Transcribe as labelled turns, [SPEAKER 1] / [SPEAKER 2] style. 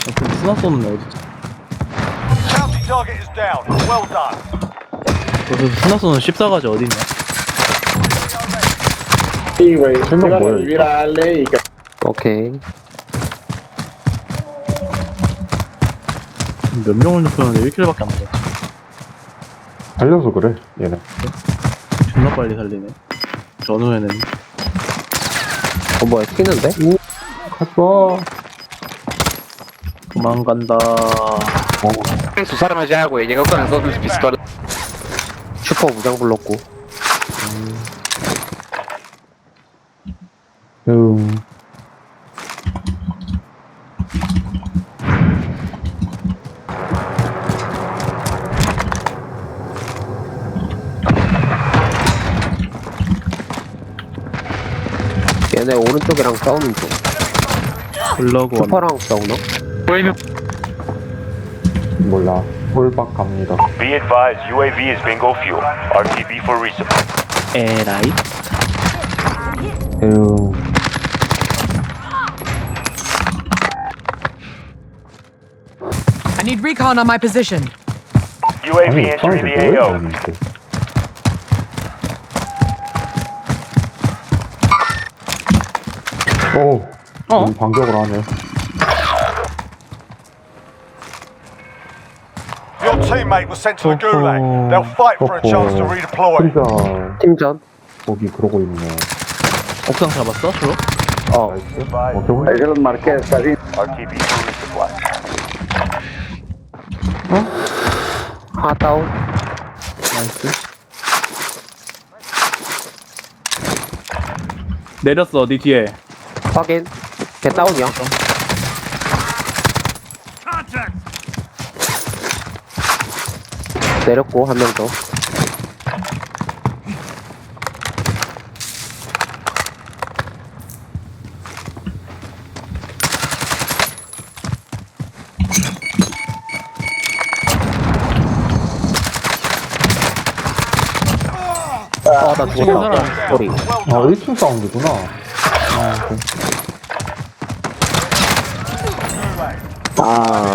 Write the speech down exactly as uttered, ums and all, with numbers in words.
[SPEAKER 1] 근데 스나 쏘는 애 어딨지?
[SPEAKER 2] Bounty target is down. Well done.
[SPEAKER 1] 그래서 스나 쏘는 십사가지 어딨냐?
[SPEAKER 3] Sí, güey.
[SPEAKER 4] Siendo
[SPEAKER 3] Iban a
[SPEAKER 4] bueno.
[SPEAKER 3] vivir a Ale y que
[SPEAKER 5] 오케이.
[SPEAKER 1] 몇 명을 눕혔는데 일 킬밖에 안 맞았지.
[SPEAKER 4] 달려서 그래 얘네.
[SPEAKER 1] 존나 빨리 살리네. 전후에는
[SPEAKER 5] 어, 뭐야, 튀는데?
[SPEAKER 4] 가져와.
[SPEAKER 1] 도망간다.
[SPEAKER 4] 어.
[SPEAKER 6] Sus armas ya, güey. Llegó con las dos pistolas.
[SPEAKER 5] 슈퍼 무장 불렀고.
[SPEAKER 4] 음.
[SPEAKER 5] 얘네 오른쪽이랑 싸우는 중.
[SPEAKER 1] 블러그 원.
[SPEAKER 5] 슈퍼랑 싸우나?
[SPEAKER 4] 몰라. 홀박 갑니다.
[SPEAKER 2] Be advised, U A V is bingo fuel. R T B for resupply.
[SPEAKER 1] 에라이.
[SPEAKER 4] 에휴.
[SPEAKER 7] I need recon on my position.
[SPEAKER 2] U A V
[SPEAKER 4] 아니
[SPEAKER 2] entering
[SPEAKER 4] 이상하게
[SPEAKER 2] the A
[SPEAKER 4] 뭐야
[SPEAKER 2] O.
[SPEAKER 4] 이게. 오.
[SPEAKER 1] 어?
[SPEAKER 4] 음, 반격을 하네.
[SPEAKER 2] Your teammate was sent to the
[SPEAKER 4] Oh.
[SPEAKER 2] gulag. They'll fight for a chance to redeploy.
[SPEAKER 4] 진짜
[SPEAKER 5] 팀전?
[SPEAKER 4] 거기 그러고 있네.
[SPEAKER 1] 옥상 잡았어? 주로?
[SPEAKER 5] 어.
[SPEAKER 4] 나이스. 어, 병원
[SPEAKER 3] ahí se los marqué, está bien.
[SPEAKER 2] R T B for resupply.
[SPEAKER 5] 하나 다운.
[SPEAKER 1] 나이스. 내렸어, 니 뒤에.
[SPEAKER 5] 확인. 걔 다운이야. 내렸고, 한 명 더. 아, 나 죽었다. 소리.
[SPEAKER 4] 아 일 층 사운드구나.
[SPEAKER 5] 아,